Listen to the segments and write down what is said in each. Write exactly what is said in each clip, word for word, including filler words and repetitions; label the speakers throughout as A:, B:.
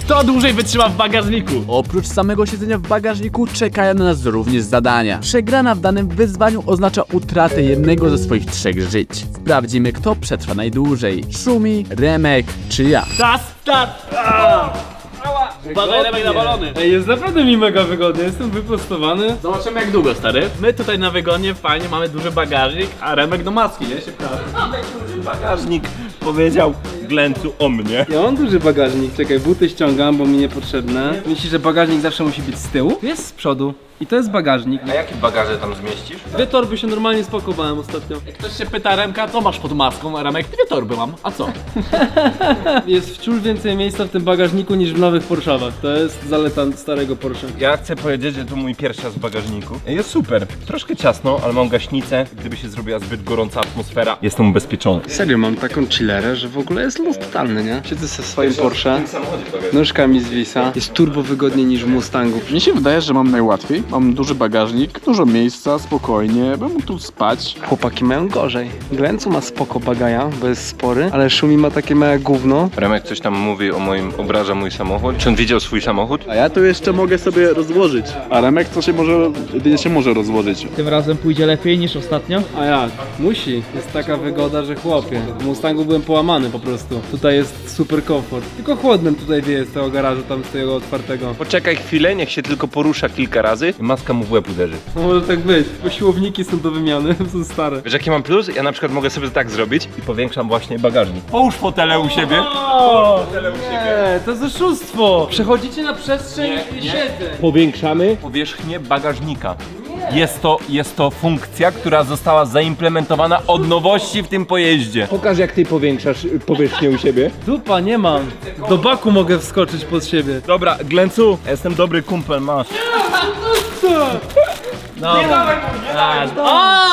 A: Kto dłużej wytrzyma w bagażniku?
B: Oprócz samego siedzenia w bagażniku czekają na nas również zadania. Przegrana w danym wyzwaniu oznacza utratę jednego ze swoich trzech żyć. Sprawdzimy, kto przetrwa najdłużej. Szumi, Remek czy ja.
A: Czas, start! Uważaj, Remek, na balony.
C: Ej, jest naprawdę mi mega wygodnie, jestem wyprostowany.
A: Zobaczymy jak długo, stary. My tutaj na wygonie fajnie, mamy duży bagażnik, a Remek do maski, nie? Się prawie.
D: Bagażnik powiedział Glencu o mnie.
C: Ja mam duży bagażnik, czekaj, buty ściągam, bo mi niepotrzebne. Myślisz, że bagażnik zawsze musi być z tyłu? Tu jest z przodu. I to jest bagażnik.
D: A jakie bagaże tam zmieścisz?
C: Dwie torby się normalnie spakowałem ostatnio.
A: Jak ktoś się pyta Remka, co masz pod maską, a Remek, dwie torby mam, a co?
C: Jest wciąż więcej miejsca w tym bagażniku niż w nowych Porszawach. To jest zaleta starego Porsche.
D: Ja chcę powiedzieć, że to mój pierwszy raz w bagażniku. Jest super. Troszkę ciasno, ale mam gaśnicę. Gdyby się zrobiła zbyt gorąca atmosfera, jestem ubezpieczony.
C: Serio, mam taką chillerę, że w ogóle jest luz totalny, nie? Siedzę ze swoim Porsche, nóżka mi zwisa. Jest turbo wygodniej niż w Mustangu.
E: Mi się wydaje, że mam najłatwiej. Mam duży bagażnik, dużo miejsca, spokojnie, bym mógł tu spać.
C: Chłopaki mają gorzej. Glencu ma spoko bagaja, bo jest spory, ale Szumi ma takie małe gówno.
D: Remek coś tam mówi o moim, obraża mój samochód. Czy on widział swój samochód?
E: A ja tu jeszcze mogę sobie rozłożyć. A Remek to się może, jedynie się może rozłożyć.
F: Tym razem pójdzie lepiej niż ostatnio?
C: A jak? Musi. Jest taka wygoda, że chłopie. W Mustangu byłem połamany po prostu. Tutaj jest super komfort. Tylko chłodnym tutaj wieje z tego garażu, tam z tego otwartego.
D: Poczekaj chwilę, niech się tylko porusza kilka razy i maska mu w łeb uderzy.
C: No może tak być, bo siłowniki są do wymiany, są stare.
D: Wiesz jaki mam plus? Ja na przykład mogę sobie tak zrobić i powiększam właśnie bagażnik. Połóż fotele u siebie. Fotele u siebie.
C: Nie, to jest oszustwo! Przechodzicie na przestrzeń siedzeń.
D: Powiększamy powierzchnię bagażnika. Jest to, jest to funkcja, która została zaimplementowana od nowości w tym pojeździe. Pokaż jak ty powiększasz powierzchnię u siebie.
C: Dupa, nie mam. Do baku mogę wskoczyć pod siebie.
D: Dobra, Glencu, jestem dobry kumpel, masz.
A: No. Nie dawaj mu, nie dawaj mu.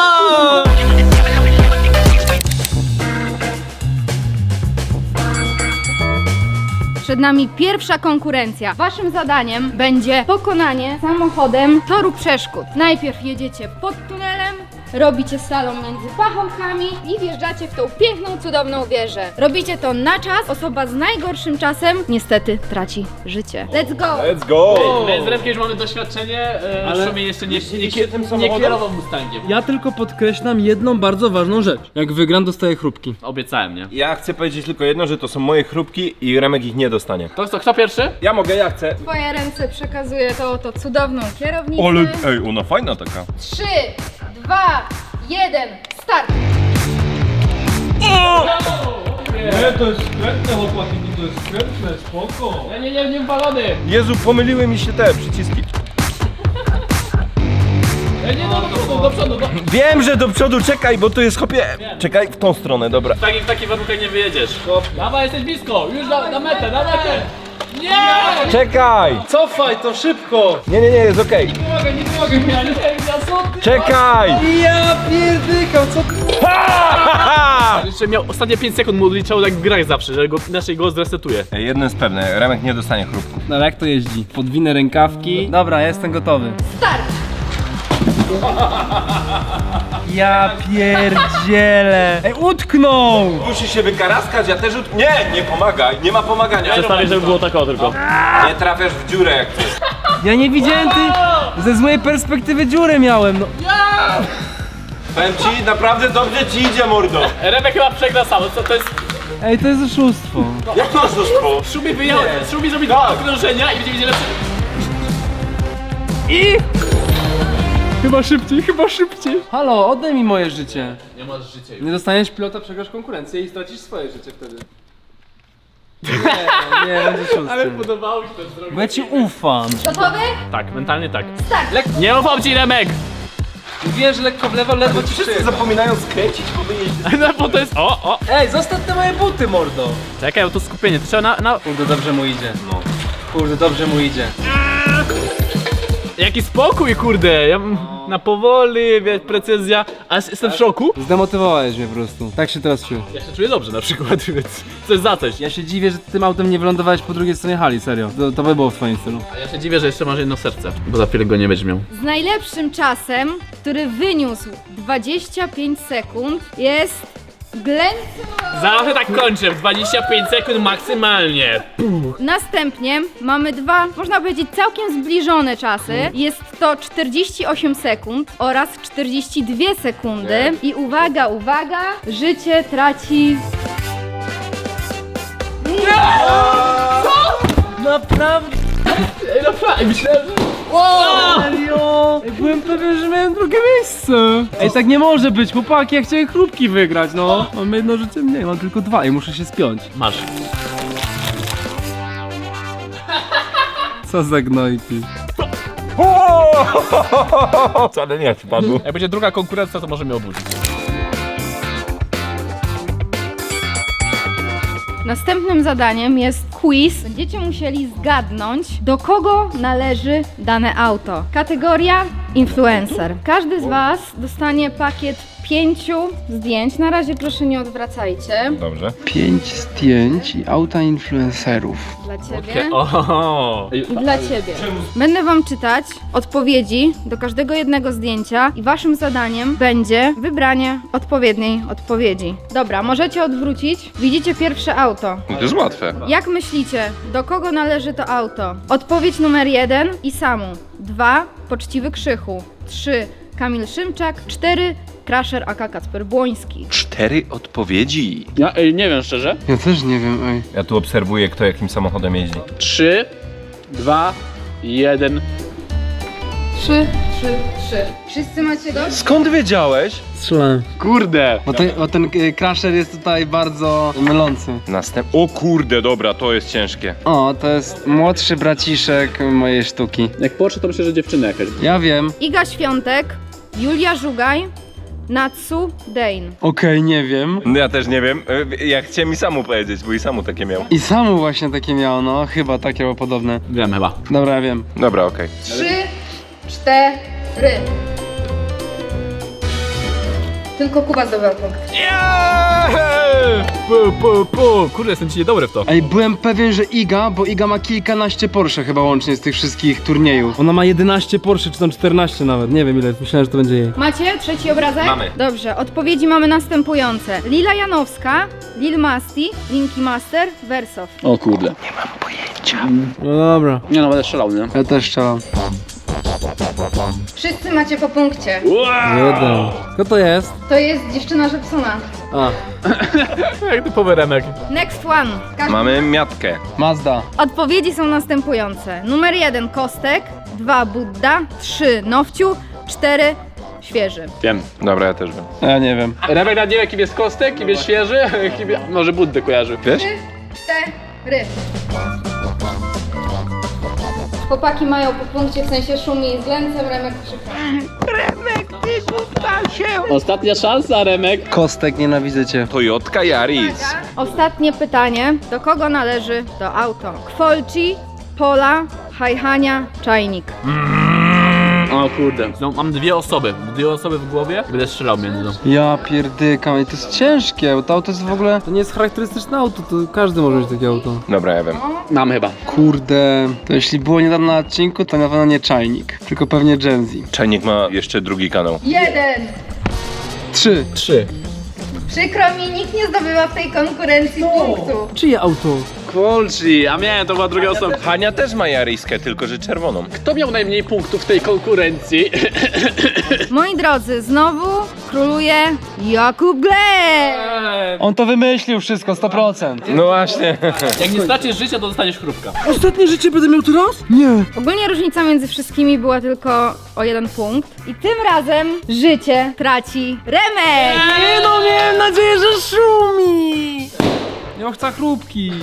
G: Przed nami pierwsza konkurencja. Waszym zadaniem będzie pokonanie samochodem toru przeszkód. Najpierw jedziecie pod tunelem, robicie slalom między pachołkami i wjeżdżacie w tą piękną, cudowną wieżę. Robicie to na czas. Osoba z najgorszym czasem niestety traci życie. Let's go!
D: Let's go!
A: My z Remkiem już mamy doświadczenie, e,
C: Ale-
A: Szumi jeszcze nie, nie,
D: Jeździcie tym
A: nie
D: samochodem?
A: kierował Mustangiem.
C: Ja tylko podkreślam jedną bardzo ważną rzecz. Jak wygram, dostaję chrupki.
A: Obiecałem, nie?
D: Ja chcę powiedzieć tylko jedno, że to są moje chrupki i Remek ich nie dostanie.
A: To co, kto pierwszy?
D: Ja mogę, ja chcę.
G: Twoje ręce przekazuje to oto cudowną kierownicę.
D: ej, ona fajna taka.
G: Trzy, dwa, jeden, start!
C: Nie, to jest skrętne, chłopaki, to jest skrętne, spoko.
A: Nie, nie, nie, nie balony!
D: Jezu, pomyliły mi się te przyciski.
A: Ej, nie, no, do przodu, do przodu, do...
D: Wiem, że do przodu, czekaj, bo to jest chopie. Czekaj, w tą stronę, dobra.
A: W takich, w takich warunkach nie wyjedziesz. Dawaj, jesteś blisko, już na, na metę, na metę! Nie!
D: Czekaj!
C: Cofaj to szybko!
D: Nie, nie, nie, jest okej.
A: Nie mogę, nie mogę, ja nie wiem, ja co ty?
D: Czekaj!
C: Ja pierdykam, co ty?
A: Jeszcze miał ostatnie pięć sekund, mu odliczało jak w grach zawsze, że go, inaczej go zresetuje.
D: Ej, jedno jest pewne, Remek nie dostanie chrupków.
C: No ale jak to jeździ? Podwinę rękawki. Dobra, jestem gotowy.
G: Start!
C: Ja pierdzielę! Ej, utknął!
D: Musisz się wykaraskać, ja też... ut- Nie, nie pomagaj, nie ma pomagania.
A: Przestawię, żeby było tak o tylko.
D: Nie trafiasz w dziurę jak chcesz.
C: Ja nie widziałem ty... Ze złej perspektywy dziurę miałem, no.
D: Powiem ci, naprawdę dobrze ci idzie, mordo.
A: Remek chyba przegra sam, co to jest?
C: Ej, to jest oszustwo.
D: Jak masz do szkoły?
A: Szumi wyjechał, Szumi zrobi dwa okrążenia i będzie widzieć lepszy.
C: I... Chyba szybciej, chyba szybciej. Halo, oddaj mi moje życie.
A: Nie masz życia już.
C: Nie dostaniesz pilota, przegrasz konkurencję i stracisz swoje życie wtedy. Nie, nie, będzie szósty.
A: Ale podobało mi się to zrobić.
C: Bo ja ci ufam.
G: Gotowy?
A: Tak, mentalnie tak.
G: Start!
A: Nie ufam ci, Remek!
C: Wiesz, lekko w lewo, ledwo ci
D: Wszyscy
C: przyjechał.
D: zapominają skręcić po wyjeździe.
A: No bo to jest... O, o!
C: Ej, zostaw te moje buty, mordo.
A: Czekaj, bo to skupienie, to trzeba na... na...
C: Kurde, dobrze mu idzie. No. Kurde, dobrze mu idzie.
A: Jaki spokój, kurde! Ja bym na powoli, wiesz, precyzja. A jestem w szoku.
C: Zdemotywowałeś mnie po prostu. Tak się teraz czuję.
A: Ja się czuję dobrze na przykład, więc coś za coś.
C: Ja się dziwię, że ty tym autem nie wylądowałeś po drugiej stronie hali, serio. To, to by było w twoim stylu.
A: A ja się dziwię, że jeszcze masz jedno serce, bo za chwilę go nie będziesz miał.
G: Z najlepszym czasem, który wyniósł dwadzieścia pięć sekund, jest glęcą.
A: Zawsze tak kończę, w dwadzieścia pięć sekund maksymalnie.
G: Następnie mamy dwa, można powiedzieć, całkiem zbliżone czasy. Jest to czterdzieści osiem sekund oraz czterdzieści dwie sekundy. I uwaga, uwaga, życie traci...
A: Ej, no fajnie, myślałem, że...
C: Serio? Ej, byłem pewien, że miałem drugie miejsce. Ej, tak nie może być, chłopaki, ja chciałem chrupki wygrać, no. Mam jedno życie mniej, mam tylko dwa i muszę się spiąć.
A: Masz.
C: Co za gnojki.
D: Wcale nie wpadł.
A: Jak będzie druga konkurencja, to może mnie obudzić.
G: Następnym zadaniem jest quiz. Będziecie musieli zgadnąć, do kogo należy dane auto. Kategoria influencer. Każdy z was dostanie pakiet pięciu zdjęć. Na razie proszę nie odwracajcie.
D: Dobrze.
C: Pięć zdjęć i auta influencerów.
G: Dla ciebie.
A: Oho.
G: I dla ciebie. Będę wam czytać odpowiedzi do każdego jednego zdjęcia i waszym zadaniem będzie wybranie odpowiedniej odpowiedzi. Dobra, możecie odwrócić. Widzicie pierwsze auto.
E: To jest łatwe.
G: Jak myślicie, do kogo należy to auto? Odpowiedź numer jeden Isamu. Dwa Poczciwy Krzychu. Trzy Kamil Szymczak. Cztery Crusher aka Kacper Błoński.
D: Cztery odpowiedzi.
E: Ja ej, nie wiem szczerze.
C: Ja też nie wiem, ej.
D: Ja tu obserwuję, kto jakim samochodem jeździ.
E: Trzy, dwa, jeden.
G: Trzy, trzy, trzy. Wszyscy macie go?
D: Skąd wiedziałeś?
C: Strzelałem.
E: Kurde.
C: Bo, ten, bo ten y, Crusher jest tutaj bardzo mylący.
D: Następ... O kurde, dobra, to jest ciężkie.
C: O, to jest młodszy braciszek mojej sztuki.
E: Jak poczę, to myślę, że dziewczyna jakaś.
C: Ja wiem.
G: Iga Świątek, Julia Żugaj, Natsu Dane.
C: Okej, nie wiem.
D: No ja też nie wiem. E, Ja chciałem i samu powiedzieć, bo i samu takie miał.
C: I Samu właśnie takie miało, no. Chyba takie było podobne.
A: Wiem chyba.
C: Dobra, ja wiem.
D: Dobra, okej.
G: Trzy, cztery. Tylko Kuba zdobył punkt.
A: Pu, pu, pu. Kurde, jestem ci niedobry w to.
C: Ej, byłem pewien, że Iga, bo Iga ma kilkanaście Porsche chyba łącznie z tych wszystkich turniejów. Ona ma jedenaście Porsche, czy tam czternaście nawet, nie wiem ile, myślałem, że to będzie jej.
G: Macie trzeci obrazek?
D: Mamy.
G: Dobrze, odpowiedzi mamy następujące. Lila Janowska, Lil Masti, Linky Master, Wersow.
E: O kurde.
C: No dobra.
E: Nie no, będę strzelał, nie?
C: Ja też strzelam.
G: Wszyscy macie po punkcie.
C: Jeden. Kto to jest?
G: To jest dziewczyna Żepsona.
C: A,
A: Jak typowy Remek.
G: Next one. Każdy...
D: Mamy miatkę.
C: Mazda.
G: Odpowiedzi są następujące. Numer jeden Kostek, dwa Budda, trzy Nowciu, cztery Świeży.
E: Wiem.
D: Dobra, ja też wiem.
C: Ja nie wiem.
E: Remek na nie wiem, kim jest Kostek, kim jest świeży, kim... może Buddę kojarzy.
D: Wiesz?
G: Cztery. Chłopaki mają po punkcie, w sensie Szumi z Glęcem, Remek krzyka.
E: Ostatnia szansa, Remek.
C: Kostek, nienawidzę cię.
D: Toyotka Yaris.
G: Ostatnie pytanie. Do kogo należy to auto? Kwolci, Pola, Hajhania, Czajnik.
E: O kurde.
A: No, mam dwie osoby. Dwie osoby w głowie. Będę strzelał między nią.
C: Ja pierdykam, i to jest ciężkie, bo to auto jest w ogóle... To nie jest charakterystyczne auto, to każdy może mieć takie auto.
D: Dobra, ja wiem.
E: Mam chyba.
C: Kurde, to jeśli było niedawno na odcinku, to na pewno nie Czajnik, tylko pewnie Gen Z.
D: Czajnik ma jeszcze drugi kanał.
G: Jeden.
C: Trzy.
A: Trzy.
G: Przykro mi, nikt nie zdobywa w tej konkurencji punktu.
C: Czyje auto?
E: Kwolci, a miałem, to była druga osoba.
D: Hania też ma Yariskę, tylko że czerwoną.
E: Kto miał najmniej punktów w tej konkurencji?
G: Moi drodzy, znowu króluje Jakub Gleb.
C: On to wymyślił wszystko, sto procent.
D: No właśnie.
A: Jak nie stracisz życia, to dostaniesz chrupka.
C: Ostatnie życie będę miał teraz? Nie.
G: Ogólnie różnica między wszystkimi była tylko o jeden punkt. I tym razem życie traci Remek.
C: Nie no, miałem nadzieję, że Szumi. Ja chcę chrupki.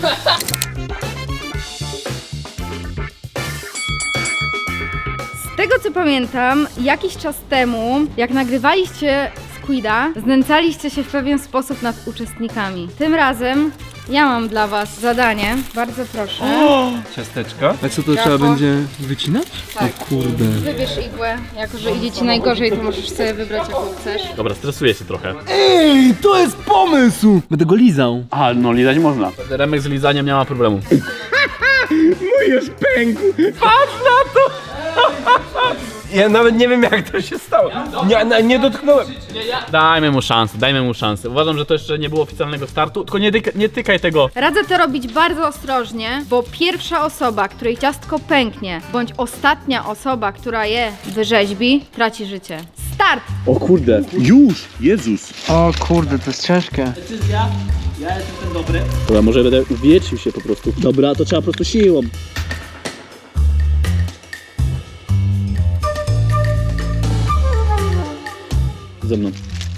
G: Z tego co pamiętam, jakiś czas temu, jak nagrywaliście Squida, znęcaliście się w pewien sposób nad uczestnikami. Tym razem ja mam dla was zadanie. Bardzo proszę.
D: Ciasteczka.
C: A co to
G: Ciacho.
C: trzeba będzie wycinać?
G: Tak.
C: O kurde.
G: Wybierz igłę. Jako że idzie ci najgorzej, to możesz sobie wybrać jaką chcesz.
A: Dobra, stresuję się trochę.
C: Ej, to jest pomysł! Będę go lizał.
E: A, no lizać można.
A: Remek z lizaniem nie ma problemu.
D: Ja nawet nie wiem jak to się stało. Nie, nie, nie dotknąłem.
B: Dajmy mu szansę, dajmy mu szansę. Uważam, że to jeszcze nie było oficjalnego startu, tylko nie, tyka, nie tykaj tego.
G: Radzę to robić bardzo ostrożnie, bo pierwsza osoba, której ciastko pęknie, bądź ostatnia osoba, która je wyrzeźbi, traci życie. Start!
H: O kurde, już! Jezus!
C: O kurde, to jest ciężkie.
F: Decyzja. Ja jestem ten dobry.
H: Dobra, może będę uwietrzył się po prostu. Dobra, to trzeba po prostu siłą. Ze mną.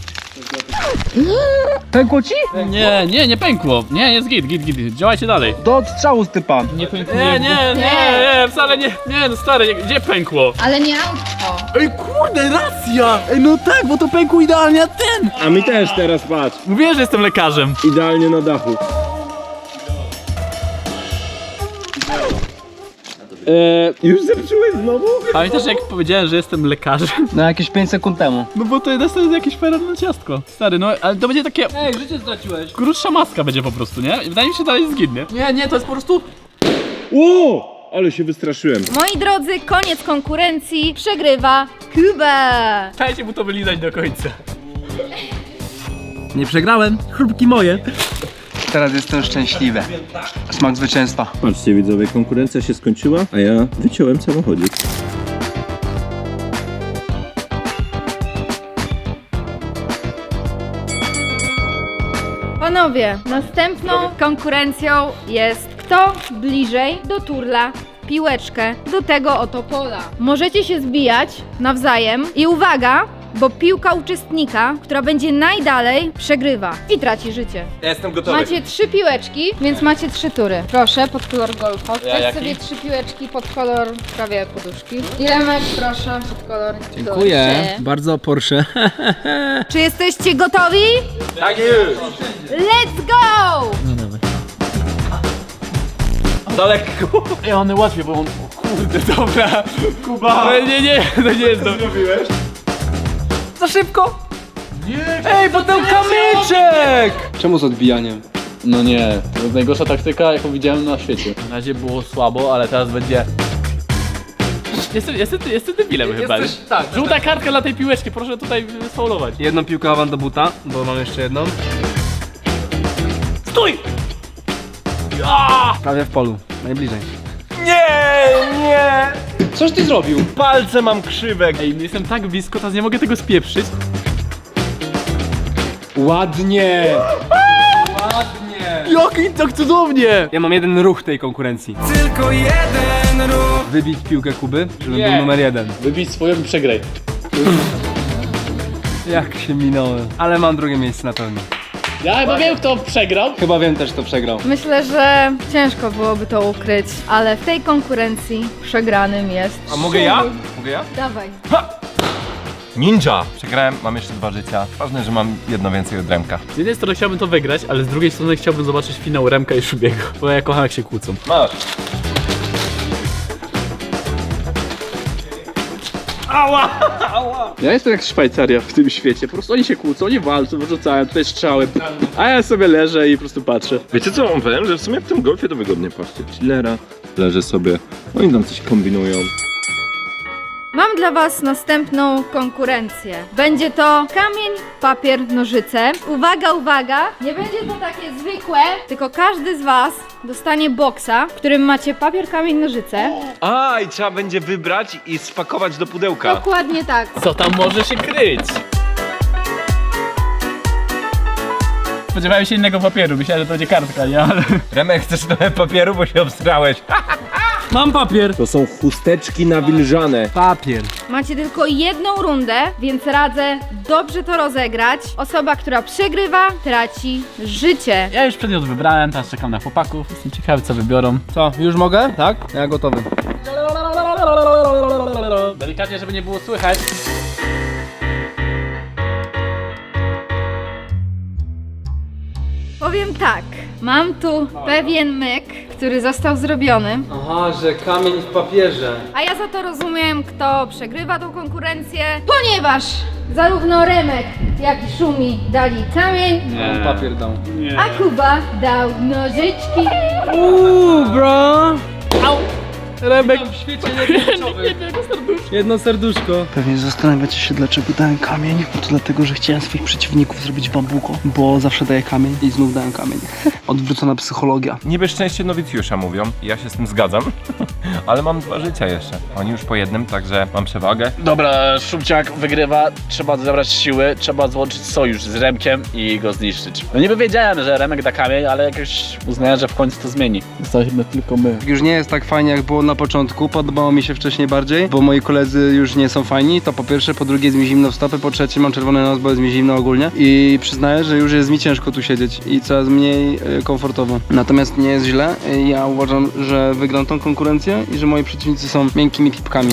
C: Pękło ci?
B: Nie, nie, nie pękło. Nie, jest git, git, git. Działajcie dalej.
C: Do odstrzału z typa.
B: Nie, nie, nie, nie, wcale nie. Nie, no stary, gdzie pękło?
G: Ale nie autko.
B: Ej, kurde, racja! Ej, no tak, bo to pękło idealnie, a ten!
H: A mi też teraz patrz.
B: Mówiłem, że jestem lekarzem.
H: Idealnie na dachu. Eee, już zepsułeś znowu?
B: Pamiętasz, jak powiedziałem, że jestem lekarzem?
C: No jakieś pięć sekund temu.
B: No bo to jest jakieś feralne ciastko. Stary, no ale to będzie takie...
F: Ej, życie straciłeś.
B: Krótsza maska będzie po prostu, nie? Wydaje mi się, że dalej jest git, nie? Nie, nie, to jest po prostu...
H: O! Ale się wystraszyłem.
G: Moi drodzy, koniec konkurencji. Przegrywa Kuba.
B: Dajcie mu to wylizać do końca.
C: Nie przegrałem. Chrupki moje. Teraz jestem szczęśliwy. Smak zwycięstwa.
H: Patrzcie widzowie, konkurencja się skończyła, a ja wyciąłem samochodzik.
G: Panowie, następną konkurencją jest kto bliżej do turla piłeczkę do tego oto pola. Możecie się zbijać nawzajem i uwaga, bo piłka uczestnika, która będzie najdalej, przegrywa i traci życie.
D: Ja jestem gotowy.
G: Macie trzy piłeczki, więc macie trzy tury. Proszę, pod kolor golfa.
B: Ja
G: Weź
B: jaki?
G: sobie trzy piłeczki pod kolor prawie poduszki. I Remek, proszę, pod kolor
C: Dziękuję.
G: Porsche.
C: Bardzo Porsche.
G: Czy jesteście gotowi?
D: Tak już.
G: Let's go!
D: Za lekko.
B: Ej, one łatwiej, bo on... O kurde, dobra. Kuba. Ale nie, nie, to nie jest to. zrobiłeś?
C: Za szybko! Nie! Ej, bo ten kamyczek! Czemu z odbijaniem?
B: No nie, to jest najgorsza taktyka, jaką widziałem na świecie. Na razie było słabo, ale teraz będzie... Jestem, jestem, jestem debilem chyba.
C: Jesteś- tak,
B: Żółta kartka dla tej piłeczki, proszę tutaj sfaulować.
C: Jedną piłkę wam do buta, bo mam jeszcze jedną.
B: Stój! Ja!
C: Prawie w polu. Najbliżej.
D: Nie, nie.
C: Coś ty zrobił?
D: Palce mam krzywe.
B: Ej, no jestem tak blisko, teraz nie mogę tego spieprzyć.
C: Ładnie!
B: Jaki tak cudownie!
C: Ja mam jeden ruch tej konkurencji. Tylko jeden ruch! Wybić piłkę Kuby, żeby
B: Nie.
C: był numer jeden.
B: Wybić swoją i przegraj.
C: Jak się minąłem. Ale mam drugie miejsce na pewno.
B: Ja chyba wiem, kto przegrał.
C: Chyba wiem też, kto przegrał.
G: Myślę, że ciężko byłoby to ukryć, ale w tej konkurencji przegranym jest.
D: A mogę ja? Mogę ja?
G: Dawaj.
D: Ninja. Przegrałem, mam jeszcze dwa życia. Ważne, że mam jedno więcej od Remka.
B: Z jednej strony chciałbym to wygrać, ale z drugiej strony chciałbym zobaczyć finał Remka i Szubiego. Bo ja kocham, jak się kłócą.
D: Masz.
E: Ja jestem jak Szwajcaria w tym świecie. Po prostu oni się kłócą, oni walczą, wyrzucają tutaj strzały. A ja sobie leżę i po prostu patrzę.
H: Wiecie co wam powiem? Że w sumie w tym golfie to wygodnie. Patrzcie, chillera, leży sobie, oni tam coś kombinują.
G: Mam dla was następną konkurencję. Będzie to kamień, papier, nożyce. Uwaga, uwaga! Nie będzie to takie zwykłe, tylko każdy z was dostanie boksa, w którym macie papier, kamień, nożyce.
D: A, i trzeba będzie wybrać i spakować do pudełka.
G: Dokładnie tak.
B: Co tam może się kryć? Spodziewałem się innego papieru, myślałem, że to będzie kartka, nie? Ale...
D: Remek, chcesz trochę papieru, bo się obstrałeś.
C: Mam papier!
H: To są chusteczki nawilżane.
C: Papier.
G: Macie tylko jedną rundę, więc radzę dobrze to rozegrać. Osoba, która przegrywa, traci życie.
B: Ja już przedmiot wybrałem, teraz czekam na chłopaków. Jestem ciekawy, co wybiorą.
C: Co, już mogę? Tak? Ja gotowy.
B: Delikatnie, żeby nie było słychać.
G: Powiem tak, mam tu pewien myk, który został zrobiony,
C: Aha, że kamień w papierze.
G: a ja za to rozumiem, kto przegrywa tą konkurencję, ponieważ zarówno Remek, jak i Szumi dali kamień,
C: On papier dał.
G: a Kuba dał nożyczki.
C: Uuu, bro! Remek w świecie jedno serduszko.
F: Pewnie zastanawiacie się, dlaczego dałem kamień. No to dlatego, że chciałem swoich przeciwników zrobić bambuko, bo zawsze daję kamień i znów dałem kamień. Odwrócona psychologia.
D: Niby szczęście nowicjusza mówią, ja się z tym zgadzam, ale mam dwa życia jeszcze. Oni już po jednym, także mam przewagę.
A: Dobra, Szumciak wygrywa, trzeba zebrać siły, trzeba złączyć sojusz z Remkiem i go zniszczyć. No niby wiedziałem, że Remek da kamień, ale jakoś uznałem, że w końcu to zmieni. Zostaliśmy tylko my.
C: Już nie jest tak fajnie jak było na początku, podobało mi się wcześniej bardziej, bo moi koledzy już nie są fajni, to po pierwsze, po drugie jest mi zimno w stopy, po trzecie mam czerwony nos, bo jest mi zimno ogólnie i przyznaję, że już jest mi ciężko tu siedzieć i coraz mniej y, komfortowo. Natomiast nie jest źle, y, ja uważam, że wygram tą konkurencję i że moi przeciwnicy są miękkimi pipkami.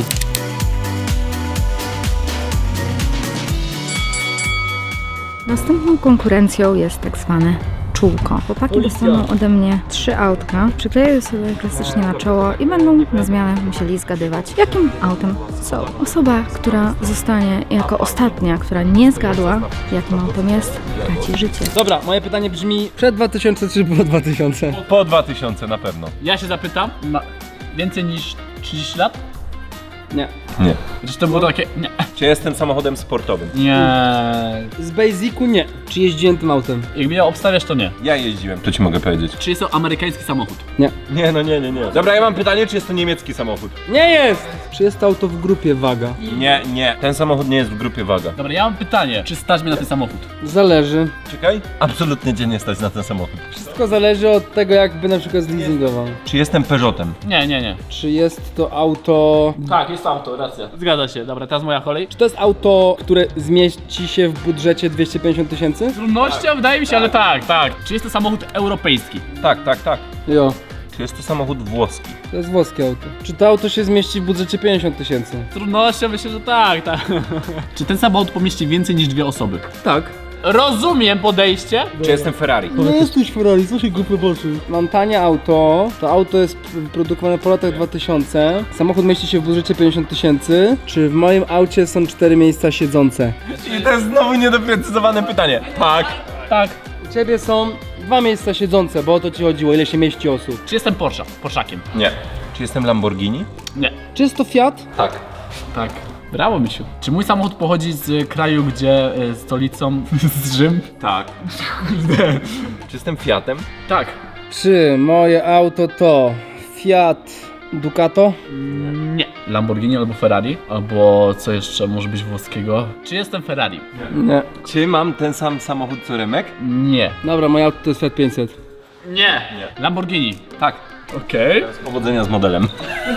G: Następną konkurencją jest tak zwane czółko. Chłopaki dostaną ode mnie trzy autka, przykleję sobie klasycznie na czoło i będą na zmianę musieli zgadywać, jakim autem są. Osoba, która zostanie jako ostatnia, która nie zgadła, jakim autem jest, traci życie.
C: Dobra, moje pytanie brzmi przed dwa tysiące czy po dwa tysiące?
D: Po dwa tysiące na pewno.
A: Ja się zapytam, ma więcej niż trzydzieści lat?
C: Nie.
D: Nie.
A: Czy to było takie... Nie.
D: Czy jestem samochodem sportowym?
A: Nie.
C: Z Basicu nie. Czy jeździłem tym autem?
A: Jak mnie obstawiasz, to nie.
D: Ja jeździłem, to ci mogę powiedzieć.
A: Czy jest to amerykański samochód?
C: Nie.
D: Nie, no nie, nie, nie. Dobra, ja mam pytanie, czy jest to niemiecki samochód?
C: Nie jest! Czy jest to auto w grupie waga?
D: Nie, nie. Ten samochód nie jest w grupie waga.
A: Dobra, ja mam pytanie. Czy stać mnie na ten samochód?
C: Zależy.
D: Czekaj. Absolutnie cię nie stać na ten samochód.
C: Wszystko zależy od tego, jakby na przykład zleasingował.
D: Czy jestem Peugeotem?
A: Nie, nie, nie.
C: Czy jest to auto...
A: Tak, jest auto, racja. Zgadza się. Dobra, teraz moja kolej.
C: Czy to jest auto, które zmieści się w budżecie dwieście pięćdziesiąt tysięcy?
A: Z trudnością wydaje mi się, ale tak, tak. Czy jest to samochód europejski?
D: Tak, tak, tak.
C: Jo.
D: Czy jest to samochód włoski?
C: To jest włoskie auto. Czy to auto się zmieści w budżecie pięćdziesiąt tysięcy?
A: Z trudnością myślę, że tak, tak. Czy ten samochód pomieści więcej niż dwie osoby?
C: Tak.
A: Rozumiem podejście.
D: Czy jestem Ferrari?
C: Nie jesteś Ferrari, co się głupio patrzy? Mam tanie auto, to auto jest p- produkowane po latach dwa tysiące. Samochód mieści się w budżecie pięćdziesiąt tysięcy. Czy w moim aucie są cztery miejsca siedzące?
D: I to jest znowu niedoprecyzowane pytanie. Tak.
A: Tak.
C: U ciebie są dwa miejsca siedzące, bo o to ci chodziło, ile się mieści osób.
A: Czy jestem Porsche? Porszakiem?
D: Nie. Czy jestem Lamborghini?
A: Nie.
C: Czy jest to Fiat?
D: Tak.
A: Tak. Brawo, misiu. Czy mój samochód pochodzi z kraju, gdzie y, stolicą z Rzym?
D: Tak. Czy jestem Fiatem?
A: Tak.
C: Czy moje auto to Fiat Ducato?
A: Nie. Lamborghini albo Ferrari? Albo co jeszcze może być włoskiego? Czy jestem Ferrari?
C: Nie.
D: Czy mam ten sam samochód co Remek?
A: Nie.
C: Dobra, moje auto to jest Fiat pięćset.
A: Nie. Nie. Lamborghini.
D: Tak.
A: Okej.
D: Powodzenia z modelem.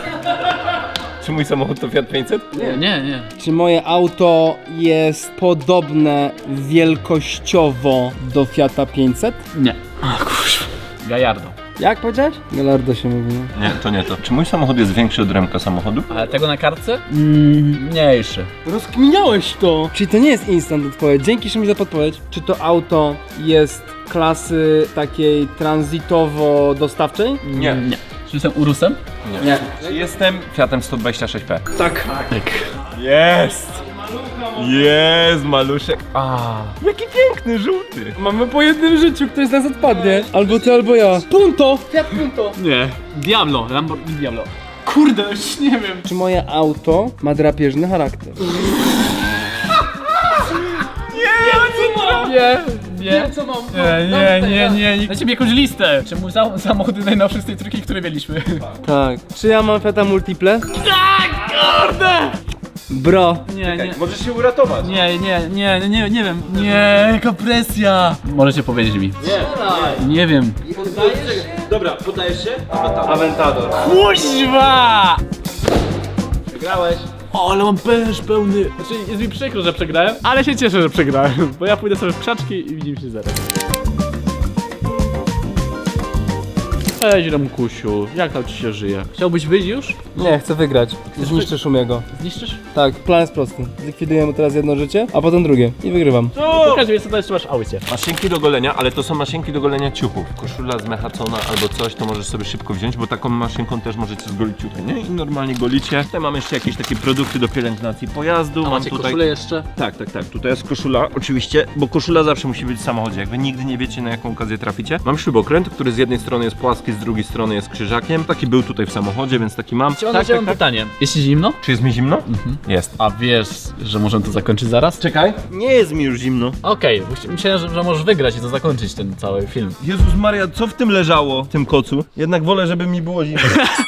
D: Czy mój samochód to Fiat pięćset?
A: Nie, nie, nie.
C: Czy moje auto jest podobne wielkościowo do Fiata pięćset?
A: Nie. A kurwa. Gallardo.
C: Jak powiedziałeś? Gallardo się mówi. no.
D: Nie, to nie to. Czy mój samochód jest większy od Remka samochodu?
A: Ale tego na kartce? Mm, mniejszy.
C: Rozkminiałeś to! Czyli to nie jest instant odpowiedź. Dzięki Szymon za podpowiedź. Czy to auto jest klasy takiej tranzytowo-dostawczej?
D: Nie.
A: Nie. Czy jestem Urusem?
C: Nie.
D: Czy jestem Fiatem sto dwadzieścia sześć P?
C: Tak.
D: Jest! Jest, maluszek. A, jaki piękny, żółty.
C: Mamy po jednym życiu, ktoś z nas odpadnie. Albo ty, albo ja. Punto! Fiat Punto!
A: Nie. Diablo. Lamborghini Diablo. Kurde, już nie wiem.
C: Czy moje auto ma drapieżny charakter?
A: Nie, nie.
C: Co mam?
A: Nie, nie, nie, nie. Dajcie mi jakąś listę. Czy mój sam- samochód jest najnowszy z tej trójki, które mieliśmy?
C: Tak. Czy ja mam Fiata Multiple?
A: Tak, kurde!
C: Bro.
A: Nie, nie.
D: Możesz się uratować.
A: Nie, nie, nie, nie, nie wiem. Nie, jaka presja. Możecie powiedzieć mi. Nie. Nie wiem.
F: Dobra, podajesz się?
C: Aventador.
A: Kuźwa!
F: Wygrałeś.
A: O, ale mam pęż pełny. Znaczy, jest mi przykro, że przegrałem, ale się cieszę, że przegrałem. Bo ja pójdę sobie w krzaczki i widzimy się zaraz. Cześć, Remkusiu. Jak tam ci się żyje? Chciałbyś wyjść już?
C: Nie, chcę wygrać. Zniszczę Szumiego.
A: Zniszczysz?
C: Tak, plan jest prosty. Zlikwiduję mu teraz jedno życie, a potem drugie. I wygrywam.
A: Pokaż mi, co to jeszcze masz w aucie.
D: Maszynki do golenia, ale to są maszynki do golenia ciuchów. Koszula zmechacona albo coś, to możesz sobie szybko wziąć, bo taką maszynką też możecie zgolić ciuchy, nie? I normalnie golicie. Tutaj mam jeszcze jakieś takie produkty do pielęgnacji pojazdu.
A: A
D: mam
A: macie
D: tutaj...
A: koszulę jeszcze?
D: Tak, tak, tak. Tutaj jest koszula, oczywiście, bo koszula zawsze musi być w samochodzie. Jak wy nigdy nie wiecie, na jaką okazję traficie. Mam śrubokręt, który z jednej strony jest płaski, taki z drugiej strony jest krzyżakiem. Taki był tutaj w samochodzie, więc taki mam.
A: Mam tak, tak, pytanie. Jest ci zimno?
D: Czy jest mi zimno? Jest.
A: A wiesz, że możemy to zakończyć zaraz?
D: Czekaj. Nie jest mi już zimno.
A: Okej, okay, myślałem, że, że możesz wygrać i to zakończyć ten cały film.
D: Jezus Maria, co w tym leżało, w tym kocu? Jednak wolę, żeby mi było zimno.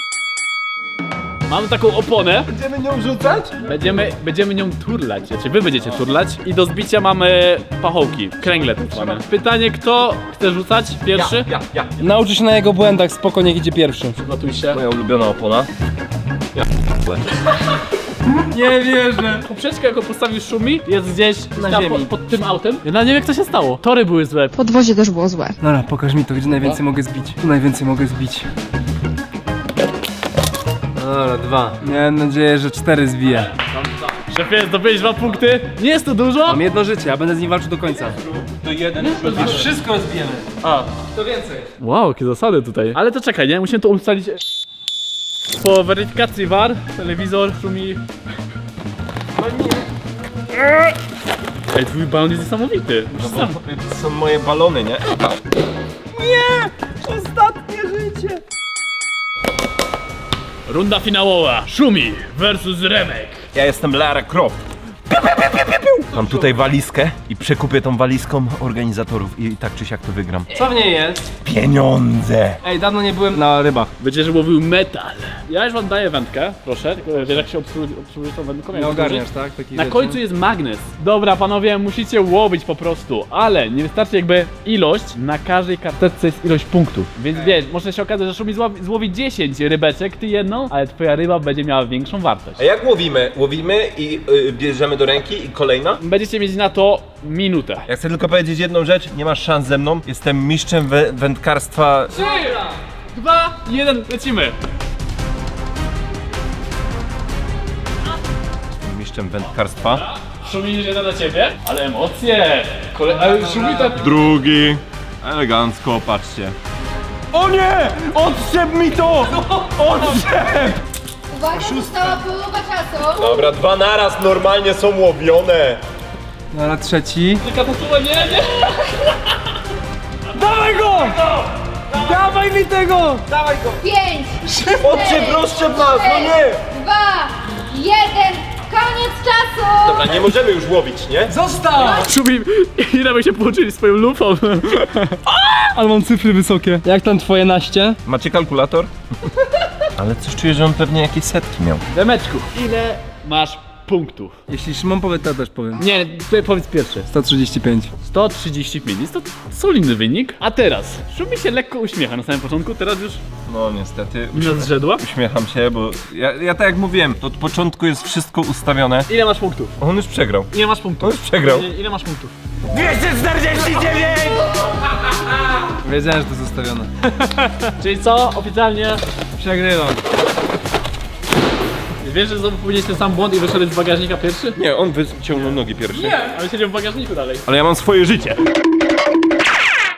A: Mamy taką oponę,
D: Będziemy nią rzucać?
A: będziemy, będziemy nią turlać, znaczy wy będziecie turlać i do zbicia mamy pachołki, kręgle tak zwane. Pytanie, kto chce rzucać pierwszy?
D: Ja, ja.
C: Nauczy się na jego błędach, spoko, niech idzie pierwszy.
A: Przygotuj się.
D: Moja ulubiona opona.
C: Nie wierzę.
A: Poprzeczka, jaką postawił Szumi, jest gdzieś
C: Na
A: tam
C: ziemi.
A: Pod, pod tym autem. Ja na nie wiem, jak to się stało. Tory były złe.
I: Podwozie też było złe.
C: Dobra, pokaż mi to, gdzie najwięcej mogę zbić. Tu najwięcej mogę zbić. Dobra, dwa. Miałem nadzieję, że cztery zbiję.
A: Szefie, zdobyłeś dwa punkty. Nie jest to dużo.
C: Mam jedno życie, a będę z nim walczył do końca.
D: To jeden.
C: Aż wszystko zbijemy.
A: A.
C: To więcej.
A: Wow, jakie zasady tutaj. Ale to czekaj, nie? Musimy to ustalić. Po weryfikacji V A R, telewizor, Szumi. Ej, twój balon jest niesamowity.
D: No bo to są moje balony, nie?
A: Runda finałowa. Szumi versus Remek.
D: Ja jestem Lara Croft. Mam tutaj walizkę i przekupię tą walizką organizatorów i tak czy siak to wygram.
C: Co w niej jest?
D: Pieniądze!
C: Ej, dawno nie byłem na rybach.
A: Będziesz łowił metal. Ja już wam daję wędkę, proszę. Tylko wiesz, jak się obsługuje obsługuje tą wędką? Jak
C: Nie
A: obsłużyć?
C: ogarniasz, tak? Taki
A: Na
C: rzeczy.
A: końcu jest magnes. Dobra, panowie, musicie łowić po prostu, ale nie wystarczy jakby ilość, na każdej karteczce jest ilość punktów. Więc wiesz, może się okazać, że Szumi złowi, złowi dziesięć rybeczek, ty jedną, ale twoja ryba będzie miała większą wartość.
D: A jak łowimy? Łowimy i y, bierzemy do ręki i kolejna?
A: Będziecie mieć na to minutę.
D: Ja chcę tylko powiedzieć jedną rzecz, nie masz szans ze mną. Jestem mistrzem wę wędkarstwa.
A: trzy, dwa, jeden, lecimy.
D: Mistrzem wędkarstwa.
A: Szumi jeden dla ciebie, ale emocje. Kole... Ale Szumi tak...
D: Drugi. Elegancko, patrzcie. O nie! Odszep mi to! Odszep!
G: Uwaga, została połowa czasu.
D: Dobra, dwa naraz normalnie są łowione.
C: Dobra, trzeci.
A: Tylko to nie, nie.
C: Dawaj go! Dawaj mi tego!
G: Pięć,
D: Odszep, rozszczep nas, no nie!
G: dwa, jeden, koniec czasu.
D: Dobra, nie możemy już łowić, nie?
C: Zostaw!
A: Szumi i Remek się połączyli swoją lufą.
C: Ale mam cyfry wysokie. Jak tam twoje naście?
D: Macie kalkulator? Ale coś czuję, że on pewnie jakieś setki miał.
A: Remeczku, ile masz punktów?
C: Jeśli Szymon powie, to ja też powiem.
A: Nie, ty powiedz pierwszy.
C: sto trzydzieści pięć.
A: sto trzydzieści pięć, jest to solidny wynik. A teraz, Szumi się lekko uśmiecha na samym początku, teraz już
D: No niestety.
A: mina zrzedła.
D: Uśmiecham się, bo ja, ja tak jak mówiłem, to od początku jest wszystko ustawione.
A: Ile masz punktów?
D: On już przegrał.
A: Ile masz punktów?
D: On już przegrał.
A: Ile, ile masz punktów?
D: dwieście czterdzieści dziewięć!
C: Wiedziałem, że to jest ustawione.
A: Czyli co? Oficjalnie
C: Przegrywam.
A: wiesz, że znowu popełniłeś ten sam błąd i wyszedłeś z bagażnika pierwszy?
D: Nie, on wyciągnął nogi pierwszy.
A: Nie, ale siedział w bagażniku dalej.
D: Ale ja mam swoje życie.